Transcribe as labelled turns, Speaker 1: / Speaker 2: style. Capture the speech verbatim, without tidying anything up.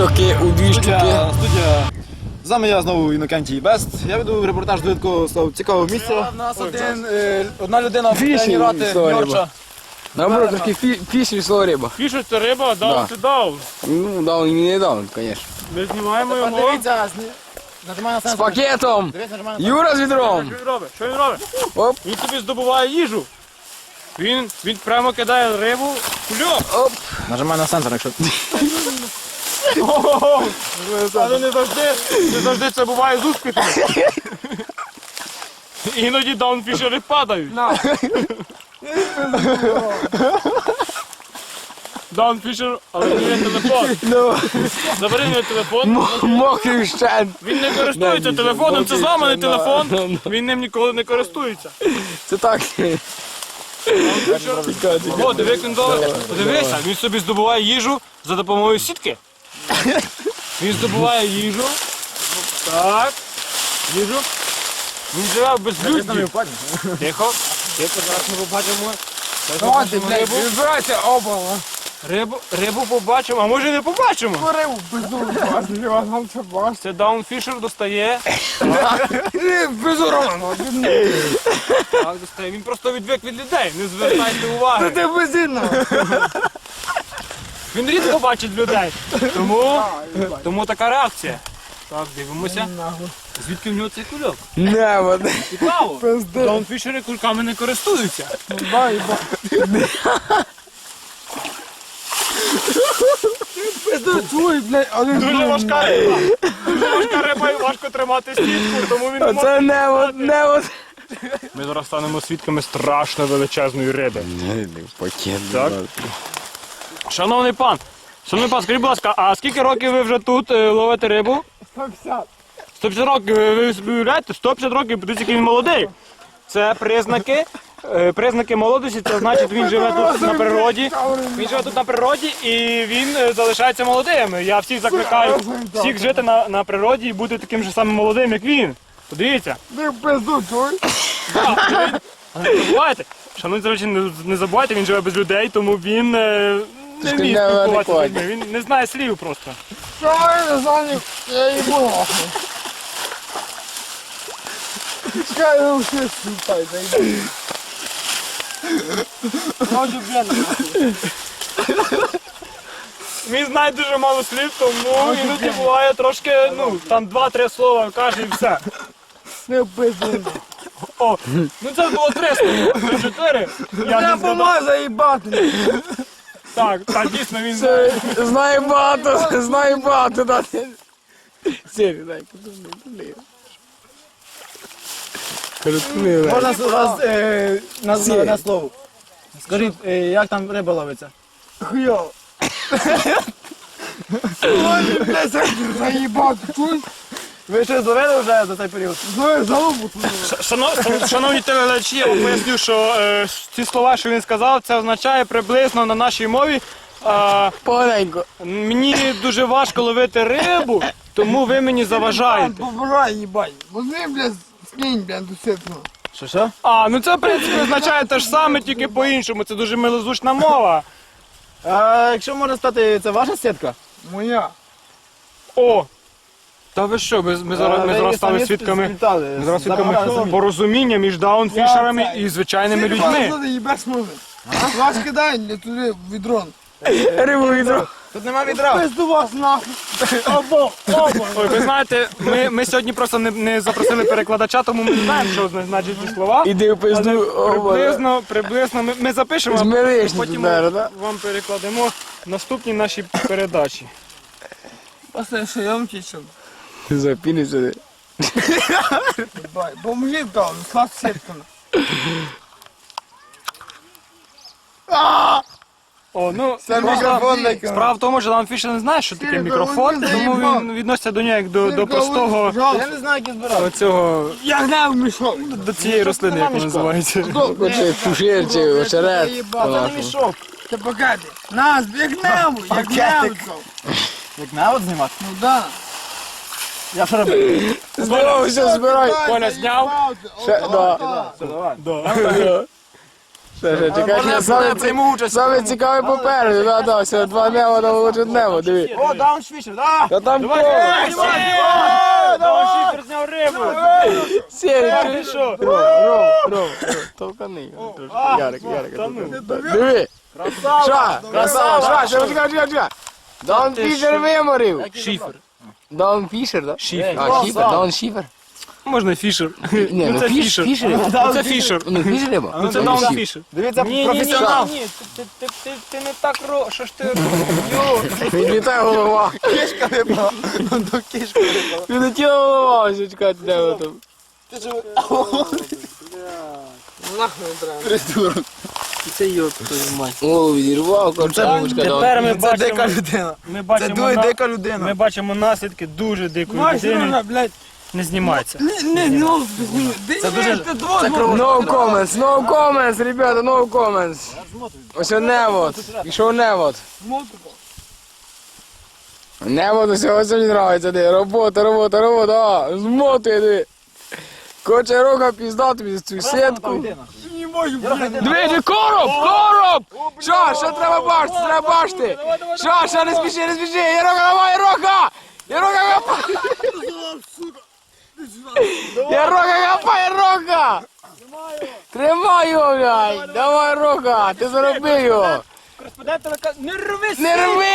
Speaker 1: щоки, у дві штуки.
Speaker 2: Студія. З вами я знову Інокентій Бест. Я веду репортаж до такого цікавого місця.
Speaker 3: У нас один, е, одна людина
Speaker 1: Фіші,
Speaker 3: тренувати
Speaker 1: sorry,
Speaker 3: Йорча.
Speaker 1: Наоборот, трошки фі, фіш весело риба.
Speaker 4: Фішер це риба, даун
Speaker 1: Да.
Speaker 4: це даун.
Speaker 1: Ну, даун і не даун, звісно.
Speaker 4: Ми знімаємо його.
Speaker 3: Подивіться, нажимай на
Speaker 1: З
Speaker 3: сенсор.
Speaker 1: пакетом!
Speaker 3: Дивись, нажимай на
Speaker 1: Юра з відром!
Speaker 4: Що він робить? Що він робить?
Speaker 1: Оп,
Speaker 4: Він тобі здобуває їжу. Він, він прямо кидає рибу в кульок.
Speaker 1: оп.
Speaker 3: Нажимай на сенсор, якщо...
Speaker 4: Ого! Але не завжди, не завжди це буває з успіхом. Іноді даунфішери падають. Даунфішер, але не є телефон.
Speaker 1: Ну,
Speaker 4: Забери мій телефон.
Speaker 1: м- мокрий вщент.
Speaker 4: Він не користується
Speaker 1: Да,
Speaker 4: телефоном, це зламаний
Speaker 1: да,
Speaker 4: телефон.
Speaker 1: да.
Speaker 4: Він ним ніколи не користується.
Speaker 1: Це так.
Speaker 4: О, диви, як він добре. Подивися, він собі здобуває їжу за допомогою сітки. Він здобуває їжу. Так. Їжу. Він живе в безлюдді. Тихо. Тихо, зараз ми побачимо. Зараз ми побачимо рибу.
Speaker 1: Вибирайте оба.
Speaker 4: Рибу, рибу побачимо, а може і не побачимо.
Speaker 1: Рибу безумно, вас вам це бачите.
Speaker 4: Це даунфішер достає.
Speaker 1: Безуровно.
Speaker 4: Так, достає. Він просто відвик від людей, не звертайте уваги.
Speaker 1: Ти безумно.
Speaker 4: Він рідко бачить людей. Тому, тому така реакція. Так, дивимося. Звідки в нього цей кульок?
Speaker 1: Не, води.
Speaker 4: Цікаво. Даунфішери кульками не користуються.
Speaker 1: Твой, блядь, але
Speaker 4: Дуже важка риба. Дуже важка риба і важко тримати сітку, тому він не може.
Speaker 1: це не от, не от.
Speaker 4: Ми зараз станемо свідками страшно величезної риби.
Speaker 1: Пакет.
Speaker 4: Так. Шановний пан, шановний пан, скажіть, будь ласка, а скільки років ви вже тут е, ловите рибу?
Speaker 1: сто п'ятдесят.
Speaker 4: сто п'ятдесят років, ви ви собі уявляєте? сто п'ятдесят років, подивіться, який він молодий. Це признаки, е, признаки молодості, це значить він живе тут на природі. Він живе тут на природі і він е, залишається молодим. Я всіх закликаю всіх жити на, на природі і бути таким же самим молодим, як він. Подивіться.
Speaker 1: Ти в пизду, чуй?
Speaker 4: Але не забувайте, шановні зречі, не, не забувайте, він живе без людей, тому він е, не
Speaker 1: Трошки
Speaker 4: вміє спілкуватися з
Speaker 1: неадекватний.
Speaker 4: людьми. Він не знає слів просто.
Speaker 1: Що я не знаю, я її буду. Чекай, я все слухай, зайди.
Speaker 4: Він знає дуже мало слів, тому іноді буває трошки, ну, там два-три слова каже і все.
Speaker 1: Не в пизду.
Speaker 4: О, ну це було три слова, три-чотири. Я не згадав.
Speaker 1: помагаю заїбати.
Speaker 4: Так, так, дійсно він знає.
Speaker 1: Знаю багато, знаю багато, да. Сірі, дай, подумай, подумай.
Speaker 3: Можна вас е, на, на, на слово. Скажіть, е, як там риба ловиться?
Speaker 1: Хуйово. Ой, блядь, заїбати, чуй?
Speaker 3: Ви щось зловили вже за цей період?
Speaker 1: Знаю, залубу твою.
Speaker 4: Шано- Шановні телеглядачі, я вам поясню, що е, ці слова, що він сказав, це означає приблизно на нашій мові. е,
Speaker 1: Поганенько.
Speaker 4: Мені дуже важко ловити рибу, тому ви мені заважаєте.
Speaker 1: Побирай, їбать. Возьми, блядь, скинь, блядь, до сітку.
Speaker 3: Що, що?
Speaker 4: А, ну це в принципі означає те ж саме, тільки по-іншому. Це дуже милозвучна мова.
Speaker 3: А якщо можна стати, це ваша сітка?
Speaker 1: Моя.
Speaker 4: О! Та ви що, ми, ми зараз,
Speaker 3: А,
Speaker 4: ми
Speaker 3: ви
Speaker 4: зараз стали
Speaker 3: самі
Speaker 4: свідками.
Speaker 3: сплітали,
Speaker 4: Ми зараз
Speaker 3: забрали
Speaker 4: свідками
Speaker 3: самі.
Speaker 4: порозуміння між даунфішерами і звичайними людьми.
Speaker 1: Ти їбеш може. Вас кидай для туди в відро. Рибу в відро.
Speaker 3: Тут нема відра.
Speaker 1: Пизду вас нахуй. Обо, обо.
Speaker 4: Ой, ви знаєте, ми, ми сьогодні просто не, не запросили перекладача, тому ми не знаємо, що значать ці слова.
Speaker 1: Іди в
Speaker 4: Але
Speaker 1: пизду,
Speaker 4: приблизно, приблизно ми, ми запишемо, а
Speaker 1: Змиришся
Speaker 4: потім
Speaker 1: тут, наверно,
Speaker 4: вам перекладемо в наступній нашій передачі.
Speaker 1: Пасай, що я вам тічу. Запіни сюди. Поможи, там, слав сітками.
Speaker 4: О, ну,
Speaker 1: Це
Speaker 4: просто
Speaker 1: мікрофон такий.
Speaker 4: справа в тому, що Даунфішер не знає, що таке
Speaker 1: Сірий,
Speaker 4: мікрофон,
Speaker 1: він
Speaker 4: тому
Speaker 1: заїбав.
Speaker 4: він відноситься до нього як до, до простого
Speaker 3: Я не знаю, як я збирав.
Speaker 4: цього,
Speaker 1: Я гнав мішок.
Speaker 4: до цієї рослини, як вона називається.
Speaker 1: Хоче пушир чи очерет.
Speaker 3: Це не мішок.
Speaker 1: Ти покати. Нас, як гнав, як гнав.
Speaker 3: Як на от знімати?
Speaker 1: Ну да.
Speaker 3: Я що робив?
Speaker 1: Здорово, все збирай.
Speaker 4: Коля зняв?
Speaker 1: Ще, да.
Speaker 3: Все, давай.
Speaker 4: Да.
Speaker 1: Це ж, чекай,
Speaker 2: Можна
Speaker 1: саме,
Speaker 2: я прийму участь?
Speaker 1: саме цікаве попереду, да, да, все, два небо, там лучше небо, диви.
Speaker 2: О, дауншфішер, да!
Speaker 1: Та там
Speaker 4: Давай,
Speaker 1: кого?
Speaker 4: давай, давай, шифер зняв рибу.
Speaker 1: Сірий,
Speaker 4: Ти
Speaker 1: ти
Speaker 4: що?
Speaker 1: Ром, Ром, Ром, толкани. трошки. Ярик, Ярик. Диви. Ша, красава, ша, ша, чекай, чекай, чекай. Даун Фішер виморив.
Speaker 4: Шифер.
Speaker 1: Даун Фішер, да?
Speaker 4: Шифер.
Speaker 1: А, Шифер, Даун Шифер.
Speaker 4: Можна фішер.
Speaker 1: Ні, ну
Speaker 4: це
Speaker 1: Фіш,
Speaker 4: Фішер.
Speaker 1: Фішер.
Speaker 4: Ну, це фішер.
Speaker 1: Ну, Фішер риба.
Speaker 4: Ну це даун фішер.
Speaker 2: Дивіться,
Speaker 4: Ні, ні, ні,
Speaker 2: професіонал.
Speaker 4: ні, ти, ти, ти, ти не так ро... Що ж ти робиш?
Speaker 1: Відлітає голова.
Speaker 2: Кішка випала. До кішки випала.
Speaker 1: Відлетіла голова, ось чекайте, де ви там.
Speaker 2: Придурок.
Speaker 3: Це йод, твою мать.
Speaker 1: Голову відірвав, корчаночка.
Speaker 4: Тепер ми
Speaker 2: Це дика
Speaker 4: бачимо,
Speaker 2: людина.
Speaker 4: ми
Speaker 2: Це
Speaker 4: бачимо,
Speaker 2: дуже
Speaker 4: на-
Speaker 2: дика
Speaker 4: ми
Speaker 2: людина.
Speaker 4: бачимо наслідки дуже дикої людини.
Speaker 3: блядь.
Speaker 4: Не знімається.
Speaker 3: Не, ну,
Speaker 2: Це дуже... Це
Speaker 1: No comments, no comments, ребята, no comments. Ось невод, пішов невод. Невод ось ось мені нравиться, диви. Робота, робота, робота, а, змотує, диви. Хоче рука пізда тобі за цю сітку. Двічі, короб, короб! Що, що треба бачити, треба бачити? Що, що, не спіши, не спіши, Ярока, давай, Ярока! Ярока, капай! Ярока, капай, Ярока! Тримай його, блядь! Давай, Ярока, ти заробив його!
Speaker 4: Кореспондент телека... Не рвись!
Speaker 1: Не рви